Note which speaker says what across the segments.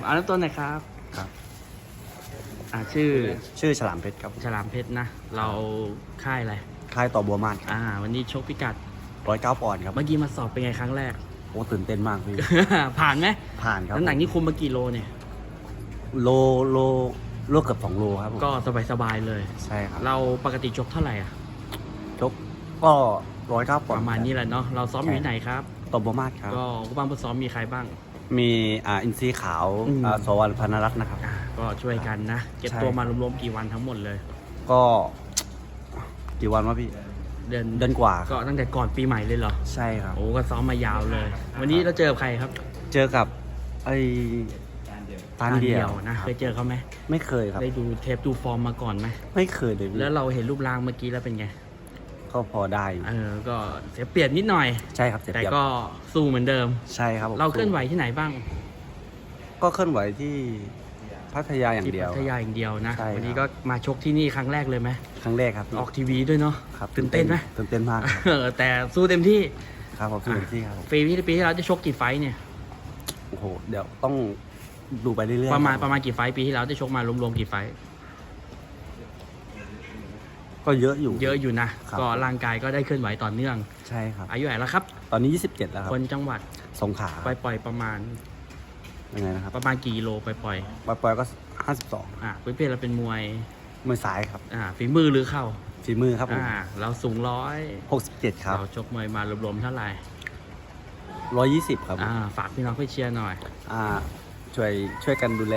Speaker 1: เอาน้ำต้นหน่อยครับ
Speaker 2: ครับ
Speaker 1: ชื่อ
Speaker 2: ฉลามเพชรครับ
Speaker 1: ฉลามเพชรนะ เราค่ายอะไร
Speaker 2: ค่ายต่อบัวมาศครับ
Speaker 1: วันนี้ชกพิกัด
Speaker 2: 109 ปอนด์ครับ
Speaker 1: เมื่อกี้มาสอบเป็นไงครั้งแรก
Speaker 2: โอ้ตื่นเต้นมากพี่
Speaker 1: ผ่านไหม
Speaker 2: ผ่านครับ
Speaker 1: น้ำหนักนี่คุมมากี่โลเนี่ย
Speaker 2: โลเกือบ2 โลครับผม
Speaker 1: ก็สบายๆเลย
Speaker 2: ใช่ครับ
Speaker 1: เราปกติชกเท่าไหร่อ่ะ
Speaker 2: ชกก็109 ปอน
Speaker 1: ป
Speaker 2: ด์
Speaker 1: ระมาณนี้แหละเนาะ เราซ้อมอยู่ที่ไหนครับ
Speaker 2: ต่อบัวมาศครับ
Speaker 1: ก็ผู้บ้างผู้ซ้อมมีใครบ้าง
Speaker 2: มีอินทรีขาว
Speaker 1: อืม
Speaker 2: สวรรณพนรัตน์นะครับ
Speaker 1: ก็ช่วยกันนะ เก็บ
Speaker 2: ใช่
Speaker 1: ตัวมารวมๆกี่วันทั้งหมดเลย
Speaker 2: ก็กี่วันวะพี่
Speaker 1: เดือน
Speaker 2: เดือนกว่าค
Speaker 1: ก็
Speaker 2: รับ
Speaker 1: ตั้งแต่ก่อนปีใหม่เลยเหรอ
Speaker 2: ใช่ครับ
Speaker 1: โอ้ก็ซ้อมมายาวเลย วันนี้เราเจอกับใครครับ
Speaker 2: เจอกับไอ้ตานเดียว
Speaker 1: นะ
Speaker 2: ครับ
Speaker 1: เคยเจอเขาไหม
Speaker 2: ไม่เคยครับ
Speaker 1: ได้ดูเทปดูฟอร์มมาก่อนไหม
Speaker 2: ไม่เคยเลยพี่
Speaker 1: แล้วเราเห็นรูปร่างเมื่อกี้แล้วเป็นไง
Speaker 2: ก็พอได้อยู่
Speaker 1: ก็เสียเปรียบนิดหน่อย
Speaker 2: ใช่ครับเจ็บ
Speaker 1: แต่
Speaker 2: เจ็บ
Speaker 1: ก็สู้เหมือนเดิม
Speaker 2: ใช่ครับผม
Speaker 1: เราเคลื่อนไหวที่ไหนบ้าง
Speaker 2: ก็เคลื่อนไหวที่พัทยาอย่าง
Speaker 1: ที่
Speaker 2: เดียว
Speaker 1: พัทยาอย่างเดียวนะ
Speaker 2: ใช่ครับ
Speaker 1: วันี้ก็มาชกที่นี่ครั้งแรกเลยไหม
Speaker 2: ครั้งแรกครับพี่
Speaker 1: ออกทีวีด้วยเนาะ
Speaker 2: ครับ
Speaker 1: ตื่นเต้นไหม
Speaker 2: ตื่นเต้นมากครับ
Speaker 1: แต่สู้เต็มที่
Speaker 2: ครับผมตื่นที่ครับผม
Speaker 1: ปีที่เราจะชกกี่ไฟท์เนี่ย
Speaker 2: โอ้โหเดี๋ยวต้องดูไปเรื่อยๆ
Speaker 1: ประมาณ
Speaker 2: คบ
Speaker 1: ประมาณกี่ไฟท์ปีที่เราได้ชกมารวมๆกี่ไฟท์
Speaker 2: ก็เยอะอยู่
Speaker 1: เยอะอยู่นะ
Speaker 2: ครับ
Speaker 1: ก็ร่างกายก็ได้เคลื่อนไหวต่อเนื่อง
Speaker 2: ใช่ครับ
Speaker 1: อายุเท่าไหร่แล้วครับ
Speaker 2: ตอนนี้ 27 แล้วครับ
Speaker 1: คนจังหวัด
Speaker 2: สงขลา
Speaker 1: ปล่อยๆประมาณ
Speaker 2: ยังไงนะครับ
Speaker 1: ประมาณกี่กิโลปล่อย
Speaker 2: ปอยๆก็ 52
Speaker 1: พื้นเพเราเป็นมวย
Speaker 2: มือซ้ายครับ
Speaker 1: ฝีมือหรือเข่า
Speaker 2: ฝีมือครับผม
Speaker 1: เราสูง
Speaker 2: 67 ครับ
Speaker 1: เราชกมวยมารวมๆเท่าไหร่
Speaker 2: 120 ครับผม
Speaker 1: ฝากพี่น้องเพื่อเชียร์หน่อย
Speaker 2: อ่าช่วยกันดูแล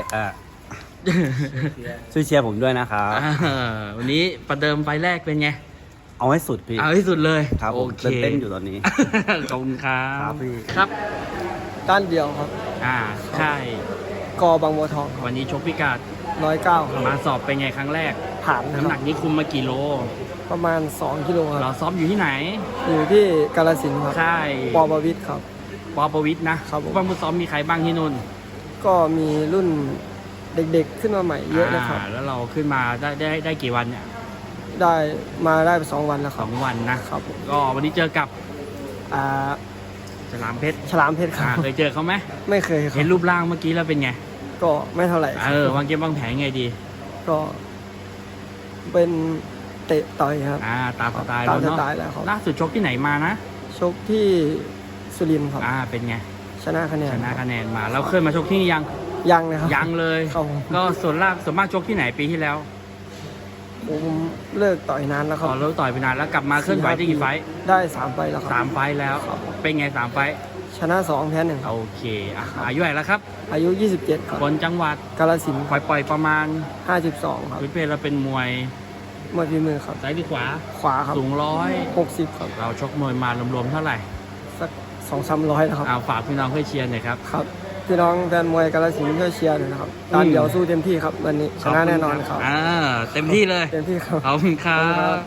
Speaker 2: ช่วยเชียร์ผมด้วยนะครับ
Speaker 1: วันนี้ประเดิมไฟล์แรกเป็นไง
Speaker 2: เอาให้สุดพี่
Speaker 1: เอาที่สุดเลย
Speaker 2: ครับ
Speaker 1: โอ
Speaker 2: ผม
Speaker 1: เค
Speaker 2: เต้นอยู่ตอนนี้
Speaker 1: ขอบคุณครับ
Speaker 2: ครับพี่
Speaker 1: ครับ
Speaker 3: ด้านเดียวครับ
Speaker 1: ใช่
Speaker 3: กอบางบัวทอง
Speaker 1: วันนี้ชกพิกัด
Speaker 3: 109
Speaker 1: มาสอบเป็นไงครั้งแรก
Speaker 3: ผ่านนะ
Speaker 1: น้ำ
Speaker 3: ค
Speaker 1: หนั
Speaker 3: รับ
Speaker 1: กนี้คุมมากี่โล
Speaker 3: ประมาณ 2 กิโลค
Speaker 1: เรา
Speaker 3: รับ
Speaker 1: ซ้อมอยู่ที่ไหน
Speaker 3: อยู่ที่กาฬสินธุ์ครับ
Speaker 1: ใช่
Speaker 3: ปอบวิทย์ครับ
Speaker 1: ปอประวิทย์นะครับ
Speaker 3: ผม
Speaker 1: บ้างผู้ซ้อมมีใครบ้างที่นู่น
Speaker 3: ก็มีรุ่นเด็กๆขึ้นมาใหม่เยอะนะครับ
Speaker 1: แล้วเราขึ้นมาได้กี่วันเนี่ย
Speaker 3: ได้มาได้ไป2 วันแล้วค
Speaker 1: ส
Speaker 3: รั
Speaker 1: อบ งวันนะครับ
Speaker 3: ผม
Speaker 1: ก็วันนี้เจอกับ
Speaker 3: อ่า
Speaker 1: ฉลามเพชร
Speaker 3: ฉลามเพชรครับ
Speaker 1: เคยเจอเขาไหม
Speaker 3: ไม่เคยครั
Speaker 1: เห็น
Speaker 3: บ
Speaker 1: รูปร่างเมื่อกี้แล้วเป็นไง
Speaker 3: ก็ไม่เท่าไหร่ครับ
Speaker 1: วางเกมวางแผนไงดี
Speaker 3: ก็เป็นเตะต่อยครับ
Speaker 1: ตามสไตล์
Speaker 3: ตาม
Speaker 1: เรา
Speaker 3: ส
Speaker 1: เนาะ
Speaker 3: ไตล์แล้วครับ
Speaker 1: ล่าสุดชกที่ไหนมานะ
Speaker 3: ชกที่สุรินทร์ครับ
Speaker 1: เป็นไง
Speaker 3: ชนะคะแนน
Speaker 1: ชนะคะแนนมาเราเคยมาชกที่นี่ยัง
Speaker 3: ยังนะครับ
Speaker 1: ยังเลย
Speaker 3: ครับผม
Speaker 1: ก็ส่วนมากชกที่ไหนปีที่แล้ว
Speaker 3: ผมเลิกต่อยนานแล้วครับ
Speaker 1: เราต่อยไปนานแล้วกลับมาเคลื่อนไหวได้กี่ไฟท์
Speaker 3: ได้3 ไฟล์แล้วค
Speaker 1: สา
Speaker 3: รับ
Speaker 1: มไฟท์แล้ว เป็นไง3 ไฟท์
Speaker 3: ชนะ 2 แพ้ 1 ครับ
Speaker 1: โอเคอายุเท่าไหร่แล้วครับ
Speaker 3: อายุ 27 ครับ
Speaker 1: คนจังหวัด
Speaker 3: กาฬสินธุ์
Speaker 1: ปล่อยประมาณ
Speaker 3: 52 ครับ
Speaker 1: พื้นเพเราเป็นมวย
Speaker 3: มวยฝีมือครับ
Speaker 1: ซ้ายหรือขวา
Speaker 3: ขวาครับ
Speaker 1: สูง
Speaker 3: 60 ครับ
Speaker 1: เราชกมวยมารวมๆเท่าไหร่
Speaker 3: สัก 200-300แล้วครับ
Speaker 1: ฝากพี่น้องเพื่อเชียร์หน่อยครับ
Speaker 3: ครับ พี่น้องแฟนมวยกาฬสินธุ์ช่วยเชียร์หน่อยนะครับตามเดี๋ยวสู้เต็มที่ครับ วันนี้ชนะแน่นอนครับ
Speaker 1: เต็มที่เลย
Speaker 3: เต็มที่ครับ
Speaker 1: ขอบคุณครั
Speaker 3: ขอบคุณครับ บ